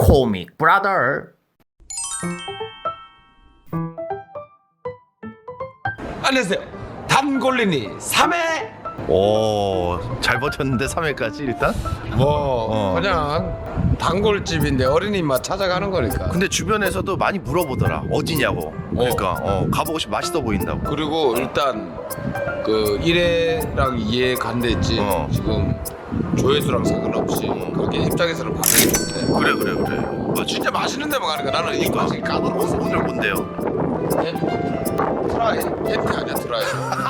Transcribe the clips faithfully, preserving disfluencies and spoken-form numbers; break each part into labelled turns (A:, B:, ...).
A: 코믹 브라더.
B: 안녕하세요. 단골린이 삼 회.
A: 오, 잘 버텼는데 삼 회까지 일단?
B: 뭐
A: 어.
B: 그냥 단골집인데 어린이 맛 찾아가는 거니까.
A: 근데 주변에서도 많이 물어보더라. 어디냐고. 그러니까 어, 가보고 싶어, 맛있어 보인다고.
B: 그리고 일단 그 일 회랑 이 회 간댔지.
A: 어.
B: 지금 조회수랑 상관없이 그렇게 입장에서는 반응이 좋대.
A: 그래 그래 그래.
B: 뭐 진짜 맛있는 데만 가니까 나는 이 맛이
A: 오늘,
B: 까다로워서.
A: 오늘 뭔데요?
B: 트라이 팬티 아니야 트라이.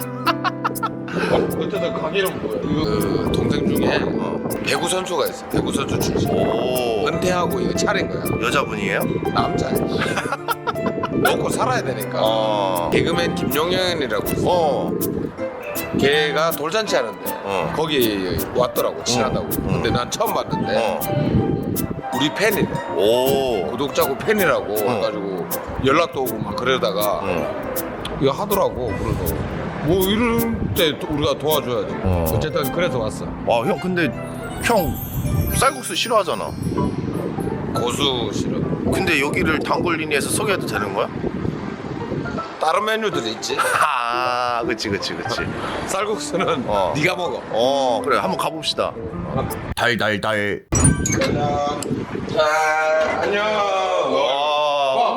B: 어쨌든 가게는 뭐야? 그 동생 중에
A: 어.
B: 배구 선수가 있어. 배구 선수 출신.
A: 오,
B: 은퇴하고 이거 차린 거야.
A: 여자분이에요?
B: 남자야. 먹고 살아야 되니까.
A: 어.
B: 개그맨 김용현이라고 있어.
A: 어.
B: 걔가 돌잔치 하는데
A: 어.
B: 거기 왔더라고 친하다고.
A: 어.
B: 근데 난 처음 봤는데
A: 어.
B: 우리 팬이래.
A: 오.
B: 구독자고 팬이라고 해가지고 연락도 오고 막 그러다가
A: 어.
B: 이거 하더라고. 그래서 뭐 이럴 때 도- 우리가 도와줘야지.
A: 어.
B: 어쨌든 그래서 왔어.
A: 와, 형 근데 형 쌀국수 싫어하잖아.
B: 고수 싫어.
A: 근데 여기를 단골리니에서 소개해도 되는 거야?
B: 다른 메뉴들이 있지.
A: 아, 그치 그치 그치.
B: 쌀국수는
A: 어.
B: 네가 먹어.
A: 어, 그래 한번 가봅시다. 달달달.
B: 안녕. 자, 안녕.
A: 와.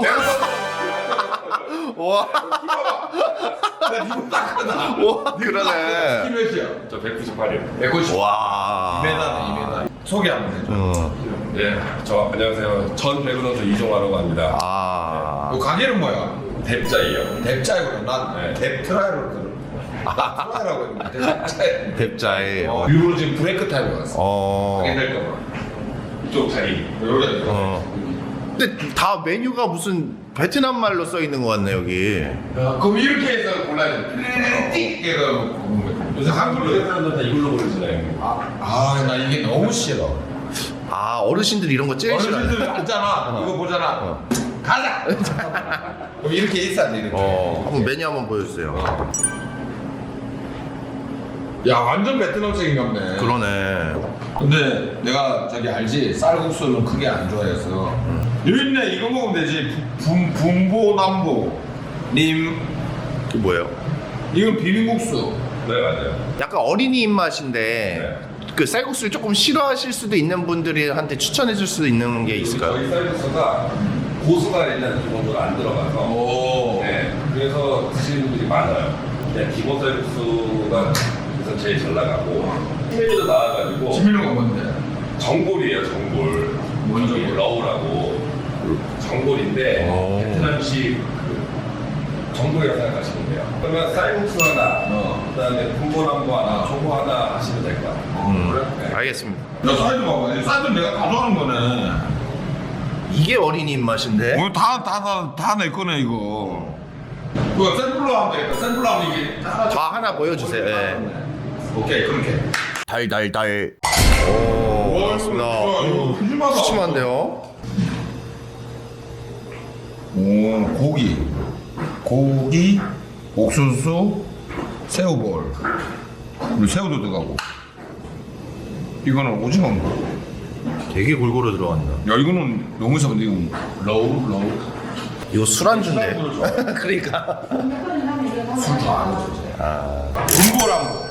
A: 와. 와, 그러네.
B: 몇이야?
C: 저 백구십팔이요.
B: 백오십.
A: 와.
B: 이 미터네, 이 미터. 소개 한번 해줘.
A: 어.
C: 네, 저 안녕하세요. 전 배구 선수 이종화라고 합니다.
A: 아.
B: 그 가게는 뭐야?
C: 뎁자이요.
B: 뎁자이구나. 난
C: 네.
B: 뎁트라이로 들어. 트라이라고 했는데 뎁자이.
A: 뎁자에.
B: 어, 일부러 지금 브레이크 타임에 왔어.
A: 어.
B: 가게 될까봐.
C: 이쪽 자리.
B: 여기다.
A: 어. 근데 다 메뉴가 무슨 베트남 말로 써 있는 것 같네 여기.
B: 야, 그럼 이렇게 해서 골라야 돼. 띡 해서 먹는 거야. 요새 한글로 해.
C: 사람들 다 이걸로 부르시나요?
B: 아, 나 이게 너무 싫어.
A: 아, 어르신들이 이런 거 제일 싫어해.
B: 어르신들 앉잖아. 이거 보잖아.
A: 어.
B: 가자. 그럼 이렇게 있어야 돼. 이렇게.
A: 어. 한번 메뉴 한번 보여주세요.
B: 야, 완전 베트남식인 같네.
A: 그러네.
B: 근데 내가 저기 알지? 쌀국수는 크게 안 좋아해서. 여기 있네. 이거 먹으면 되지. 분, 분보남보. 님.
A: 이게 뭐예요?
B: 이건 비빔국수.
C: 네, 맞아요.
A: 약간 어린이 입맛인데 그 쌀국수를 조금 싫어하실 수도 있는 분들한테 추천해 줄 수 있는 게 있을까요?
C: 저희 쌀국수가 고수가 일단 기본적으로 안 들어가서
B: 오.
C: 네, 그래서 드시는 분들이 많아요. 그냥 기본 쌀국수가 그래서 제일 잘 나가고 메뉴도 나와가지고
B: 지민이가 뭔데?
C: 전골이에요, 전골.
B: 뭔
C: 저기
B: 전골?
C: 러우라고 전골인데
A: 오.
C: 베트남식 그 전골이라고 생각하시면 돼요. 그러면 쌀국수 하나,
B: 어.
C: 그다음에 군보남보 하나, 초보 하나 하시면 될 것 같아요.
A: 음.
C: 네.
A: 알겠습니다.
B: 야, 사이드 봐봐. 이 사이드 내가 가져가는 거네.
A: 이게 어린이 입맛인데?
B: 오늘 다, 다, 다, 다 내 거네, 이거. 그거 샘플로 하면 되겠다. 샘플로 하면 이게 하나
A: 저 하나 보여주세요. 예.
B: 오케이, 그렇게.
A: 달달달. 오, 맞습니다.
B: 이거 푸짐하다.
A: 푸짐한데요?
B: 오, 고기. 고기, 옥수수, 새우볼. 그리고 새우도 들어가고. 이거는 오징어인가?
A: 되게 골고루 들어간다.
B: 야, 이거는 너무 이상한데, 이건. 로우, 로우.
A: 이거 술안주인데. 그러니까.
B: 군보람보.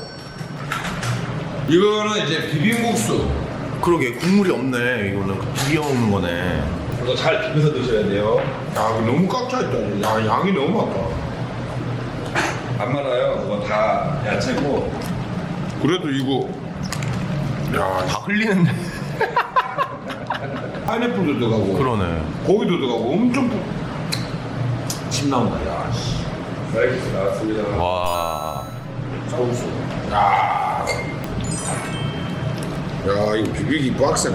B: 이거는 이제 비빔국수.
A: 그러게 국물이 없네. 이거는 비벼 먹는 거네.
C: 이거 잘 비벼서 드셔야 돼요.
B: 야, 이거 너무 꽉차있다. 야, 양이 너무 많다.
C: 안 많아요. 그거 다 야채고.
B: 그래도 이거. 야,
A: 다 흘리는데.
B: 파인애플도 들어가고.
A: 그러네.
B: 고기도 들어가고. 엄청. 부- 침 나온다, 야, 씨.
C: 쌀국수 나왔습니다.
A: 와.
B: 쌀국수. 야. 야, 이거 비비기 빡세네.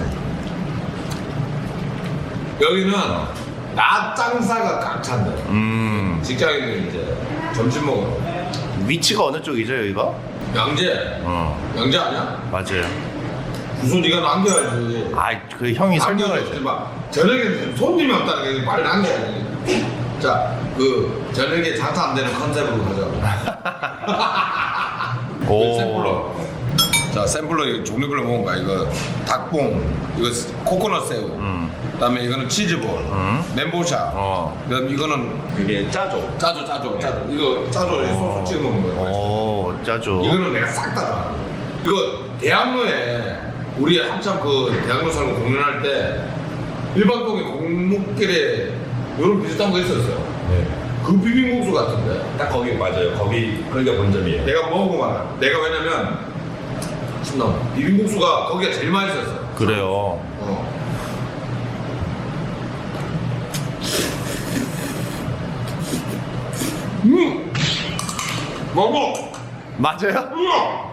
B: 여기는 낮 장사가 꽉 찬다.
A: 음.
B: 직장인들 이제 점심 먹으러.
A: 위치가 어느 쪽이죠, 여기가?
B: 양재.
A: 어.
B: 양재 아니야?
A: 맞아요.
B: 무슨 네가 남겨야지.
A: 아, 그 형이 설명을
B: 남겨야지.
A: 해줘.
B: 막 저녁에 손님이 없다는 게 말 남겨야지. 자, 그 저녁에 장사 안 되는 컨셉으로 가자고.
A: 오.
B: 샘플로. 자 샘플로 종류별로 먹은 거야. 이거 닭봉, 이거 코코넛 새우,
A: 음.
B: 그다음에 이거는 치즈볼,
A: 음.
B: 멘보샤.
A: 어.
B: 그다음 이거는
C: 그게 짜죠.
B: 짜조 짜조 짜조. 이거 짜조에 소스 찍어 먹는 거야.
A: 오, 짜죠.
B: 이거는 내가 싹 다 줘. 이거 대학로에 우리 한참 그 대학로 살고 공연할 때 일반동에 공목길에 이런 비슷한 거 있었어요.
C: 네.
B: 그 비빔국수 같은데.
C: 딱 거기 맞아요. 거기 거기가 본점이에요.
B: 내가 먹어보고 말아. 내가 왜냐면 신나 비빔국수가 거기가 제일 맛있었어.
A: 그래요.
B: 어. 음. 먹어.
A: 맞아요?
B: 우와.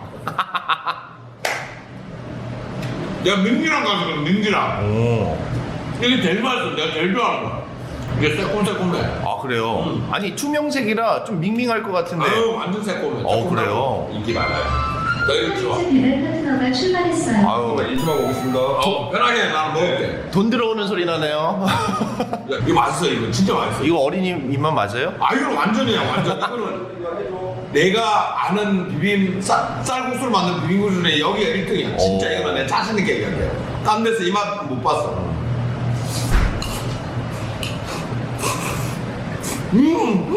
B: 내가 민기랑 가거든 민기랑.
A: 오.
B: 이게 제일 맛있어. 내가 제일 좋아하는 거야. 이게 새콤새콤해.
A: 아, 그래요?
B: 음.
A: 아니, 투명색이라 좀 밍밍할 것 같은데.
B: 아유 완전 새콤해.
A: 어, 그래요?
C: 인기 많아요.
B: 나 이거 좋아.
D: 배달 파트너가 출발했어요.
A: 아유,
C: 일주만 오겠습니다.
B: 어, 편하게 나는 먹을게.
A: 돈 들어오는 소리 나네요.
B: 야, 이거 맛있어. 이거 진짜 맛있어.
A: 이거 어린이 입맛 맞아요?
B: 아 이거 완전이야 완전. 이거는 내가 아는 비빔 쌀, 쌀국수를 만든 비빔국수 중에 여기가 일 등이야. 진짜
A: 오.
B: 이거는 내 자신 있게 얘기할게. 딴 데서 이 맛 못 봤어. 음, 음,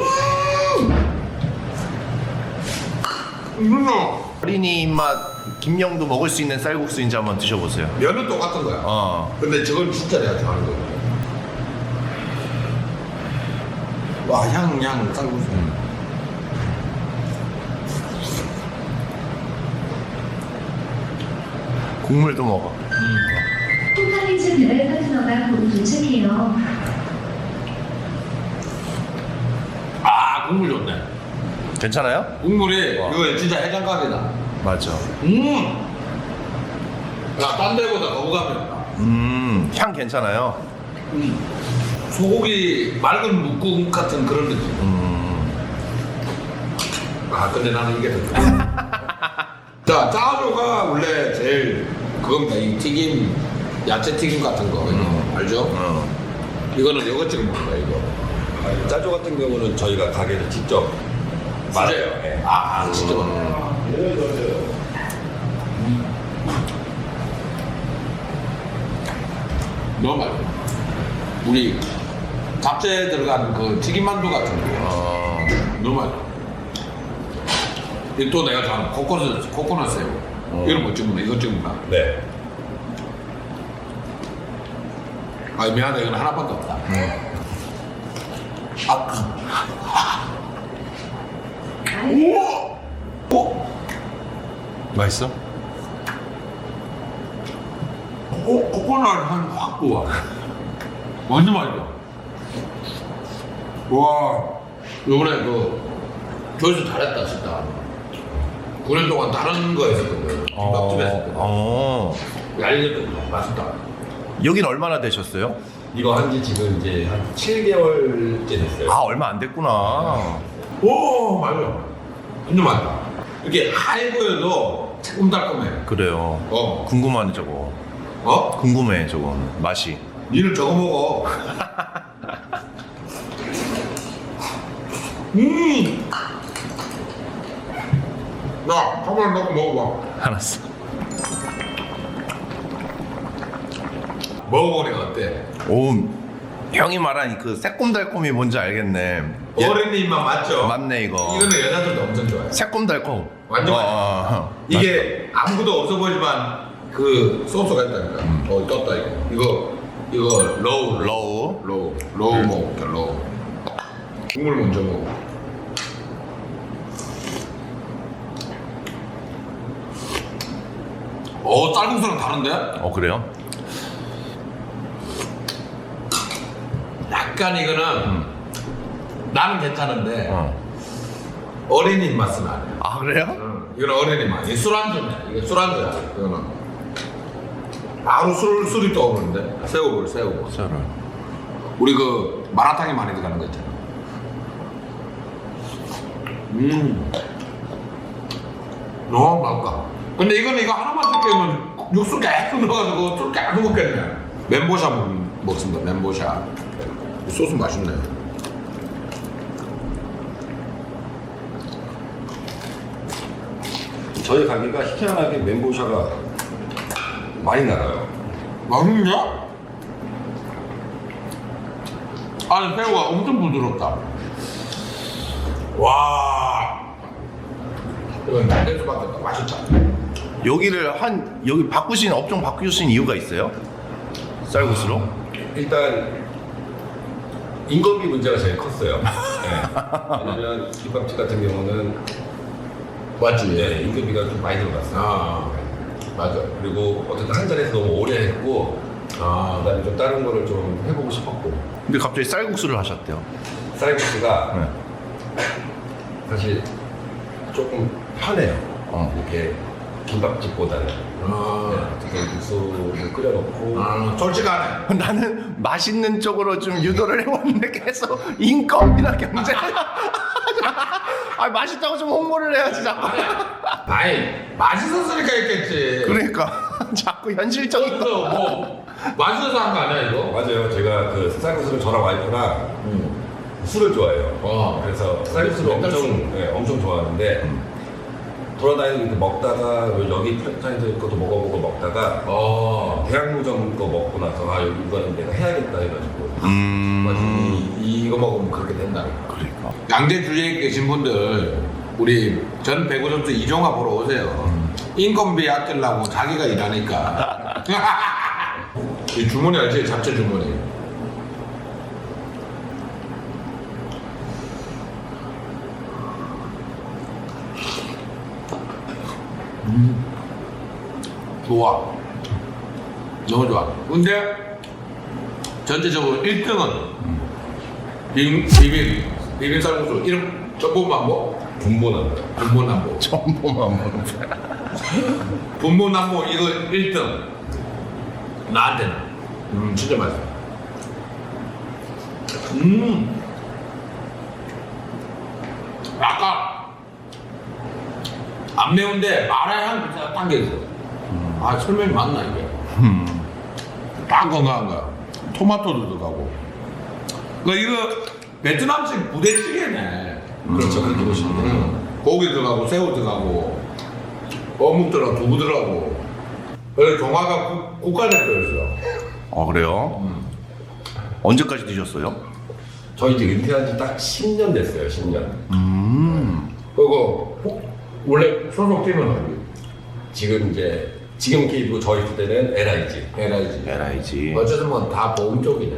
B: 음.
A: 어린이 입맛 김영도 먹을 수 있는 쌀국수인지 한번 드셔보세요.
B: 면은 똑같은 거야.
A: 어.
B: 근데 저건 진짜 내가 좋아하는 거야. 와, 향, 향, 쌀국수.
A: 국물도 먹어.
D: 콩칼리즈 배달 파트너가 곧 도착해요.
B: 아, 국물 좋네.
A: 괜찮아요?
B: 국물이
A: 와.
B: 이거 진짜 해장각이다.
A: 맞아.
B: 음. 야, 딴 데보다 거부감이 없다.
A: 음, 향 괜찮아요?
B: 음. 소고기 맑은 묵국 같은 그런 느낌.
A: 음.
B: 아, 근데 나는 이게 더 좋아. 자, 짜조가 원래 제일 그겁니다. 이 튀김, 야채 튀김 같은 거. 이거 알죠?
A: 어.
B: 이거는 이거 찍어 먹는 거야, 이거.
C: 아, 짜조 같은 경우는 저희가 가게에서 직접 말해요. 네.
B: 아, 진짜 많네. 너무 맛있어. 우리 잡채 들어간 그 튀김만두 같은 거.
A: 어.
B: 너무 맛있어. 이또 내가 좋아하는 코코넛, 코코넛 새우. 이런 거 찍으면 이거 찍으면
C: 네.
B: 아, 미안하다. 이건 하나밖에 없다. 아, 우와! 어?
A: 맛있어?
B: 어? 코코넛 한확 좋아. 완전 맛있어. 와, 요번에 그 조회수 잘했다 진짜. 구 년 동안 다른 거 했었거든. 김밥집에 했었거든.
A: 어.
B: 얄리거든. 맛있다.
A: 여긴 얼마나 되셨어요?
C: 이거 한지 지금 이제 한 칠 개월째 됐어요.
A: 아, 얼마 안 됐구나.
B: 오, 맛있어. 진짜 맛있다. 이렇게 하얘 보여도 새콤달콤해.
A: 그래요.
B: 어.
A: 궁금하네, 저거.
B: 어?
A: 궁금해, 저건. 맛이.
B: 니는 저거 먹어. 음. 나 한번 넣고 먹어봐.
A: 알았어.
B: 먹어보니까 어때?
A: 오, 형이 말한 그 새콤달콤이 뭔지 알겠네. 예,
B: 어린이 입맛 맞죠?
A: 맞네, 이거.
B: 이거는 여자들도 엄청 좋아해.
A: 새콤달콤.
B: 완전
A: 어,
B: 맛있어.
A: 어, 어.
B: 이게 아무것도 없어 보이지만 그 소스가 있다니까. 어 떴다 이거. 이거 이거 로우
A: 로우.
B: 로우 로우 먹을게 로우. 국물 먼저 먹어. 어 쌀국수랑 다른데?
A: 어, 그래요?
B: 약간 이거는 나는 괜찮은데
A: 어.
B: 어린이 맛은 아니야.
A: 아, 그래요?
B: 응, 이건 어린이 맛. 이게 술안주네. 이게 술안주야. 이거는 바로 술 술이 떠오르는데. 새우볼 새우볼.
A: 저를.
B: 우리 그 마라탕에 많이 들어가는 거 있잖아. 음. 너무 맛있다. 근데 이거는 이거 하나만 시키면 육수 계속 넣어가지고 술 계속 먹겠네. 멘보샤 먹, 먹습니다. 멘보샤. 이 소스 맛있네.
C: 저희 가게가 희한하게 멘보샤가 많이 나가요.
B: 맛있냐? 아니 새우가 엄청 부드럽다. 와. 이건 내 수밖에 없다. 맛있다.
A: 여기를 한 여기 바꾸신 업종 바꾸신 이유가 있어요? 쌀국수로?
C: 일단 인건비 문제가 제일 컸어요. 네. 왜냐면 김밥집 같은 경우는
B: 맞지?
C: 네, 인건비가 좀 많이 들어갔어요.
B: 아 맞아.
C: 그리고 어쨌든 한 자리에서 너무 오래 했고
B: 아
C: 그다음에 좀 다른 거를 좀 해보고 싶었고
A: 근데 갑자기 쌀국수를 하셨대요.
C: 쌀국수가
A: 네.
C: 사실 조금 편해요.
A: 어.
C: 이렇게 김밥집보다는.
B: 아,
C: 네, 그래서 육수를 끓여놓고
B: 아 솔직하네.
A: 나는 맛있는 쪽으로 좀 유도를 해왔는데 계속 인건비나 경제. 아 맛있다고 좀 홍보를 해야지 자꾸.
B: 아이 맛있었으니까 했겠지.
A: 그러니까 자꾸 현실적인 거.
B: 그래서 뭐 맛있어서 한 거 아니야 이거?
C: 맞아요. 제가 그 쌀국수를 저랑 와이프랑
B: 응.
C: 술을 좋아해요.
B: 어.
C: 그래서 쌀국수를
B: 맨날 술.
C: 엄청 네, 엄청 좋아하는데 돌아다니고 이렇게 먹다가 여기 프랜차이즈 것도 먹어보고 먹다가
B: 어.
C: 대학로점 거 먹고 나서 아 여기 이거는 내가 해야겠다 해가지고
A: 음.
B: 이, 이거 먹으면 그렇게 된다.
A: 그러니까.
B: 양재 주위에 계신 분들 우리 전 배구 선수 이종화 보러 오세요. 인건비 아끼려고 자기가 일하니까. 이 주머니 알지? 잡채 주머니. 음. 좋아. 너무 좋아. 근데 전체적으로 일 등은 비빔, 비빔, 비빔 쌀국수 이름 전복만보?
C: 분본한다.
B: 분모남보.
A: 전보만 먹는
B: 분모남보 이거 일 등. 나한테는. 음, 진짜 맛있어. 음. 아까 안 매운데 마라의 향이 진짜 당겨있어. 아, 설명이 맞나, 이게? 딱 건강한 거야. 토마토도 들어가고. 그 이거 베트남식 부대찌개네.
C: 그렇죠. 그렇게 보시면 돼요.
B: 음. 고기 들어가고 새우 들어가고 어묵 들어가고 두부 들어가고. 그래서 종화가 국- 국가대표였어.
A: 아 그래요? 언제까지 드셨어요?
C: 저 이제 은퇴한 지 딱 십 년 됐어요. 십 년.
A: 음.
B: 그리고 혹- 원래 소속 팀은 어디?
C: 지금 이제 지금 케이블 저 있을 때는 엘아이지.
B: 에라이지.
A: 에라이지.
B: 어쨌든 뭐 다 보험 쪽이네.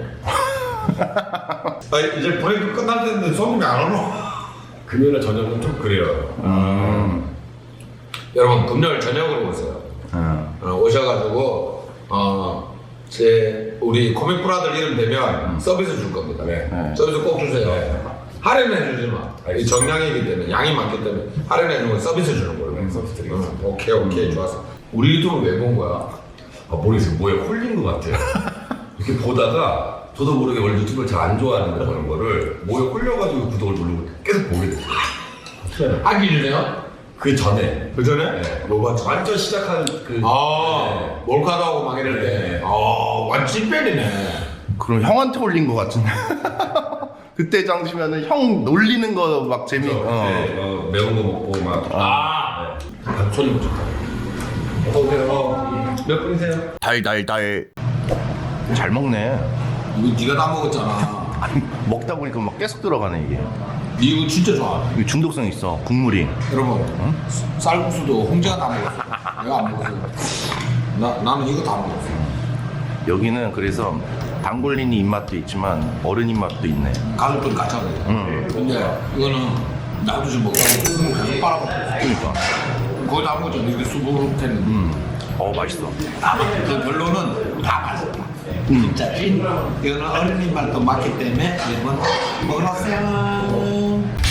C: 아 이제 브레이크 끝날 때인데 손님이 안 오노? 금요일 저녁은 좀 그래요.
A: 음.
B: 여러분 금요일 저녁으로 오세요.
A: 음.
B: 어, 오셔가지고 어, 제 우리 코믹 브라더 이름 되면 서비스 줄 겁니다.
C: 네.
A: 네.
B: 서비스 꼭 주세요.
C: 네.
B: 할인해 주지 마. 이
C: 알겠습니다.
B: 정량이기 때문에 양이 많기 때문에 할인해 주는 건 서비스 주는 걸로.
C: 네, 서비스 드리겠습니다.
B: 응, 오케이 오케이 좋았어. 우리 유튜브 왜 본 거야?
C: 아 모르겠어요. 뭐에 홀린 것 같아요. 이렇게 보다가 저도 모르게 원래 유튜브를 잘 안 좋아하는데 그런 거를 뭐에 홀려가지고 구독을 누르고 계속 보게 됐어요.
B: 하기 전에요?
C: 그 전에
B: 그 전에?
C: 네.
B: 뭐 봤지?
C: 완전 시작한 그
B: 아
C: 네.
B: 몰카도 하고 막 이럴 때.
C: 네.
B: 아 완전 찐팬이네.
A: 그럼 형한테 올린 것 같은데. 그때 당시면은 형 놀리는 거 막 재미.
C: 저,
A: 어.
C: 네, 어, 매운 거 먹고 막
B: 아
C: 네.
B: 손님 좋다.
C: 어서오세요. 몇 분이세요?
A: 달달달. 잘 먹네.
B: 이거 네가 다 먹었잖아.
A: 아니, 먹다 보니까 막 계속 들어가네 이게.
B: 네 이거 진짜 좋아.
A: 이거 중독성 있어. 국물이.
B: 여러분 쌀국수도 홍재가 다 먹었어. 내가 안 먹었어. 나 나는 이거 다 먹었어.
A: 여기는 그래서 단골린이 입맛도 있지만 어른 입맛도 있네.
B: 가족들 같이 하거든.
A: 응.
B: 근데 이거는 나도 좀 먹다가 끓으면 계속 빨아먹고.
A: 그러니까.
B: 거기다 한 거죠. 이렇게 수분을 테는.
A: 음. 어 맛있어.
B: 그 결론은 다 맛있다.
A: 음.
B: 진짜 찐. 이거는 어른이 말도 맞기 때문에 여러분 먹으세요.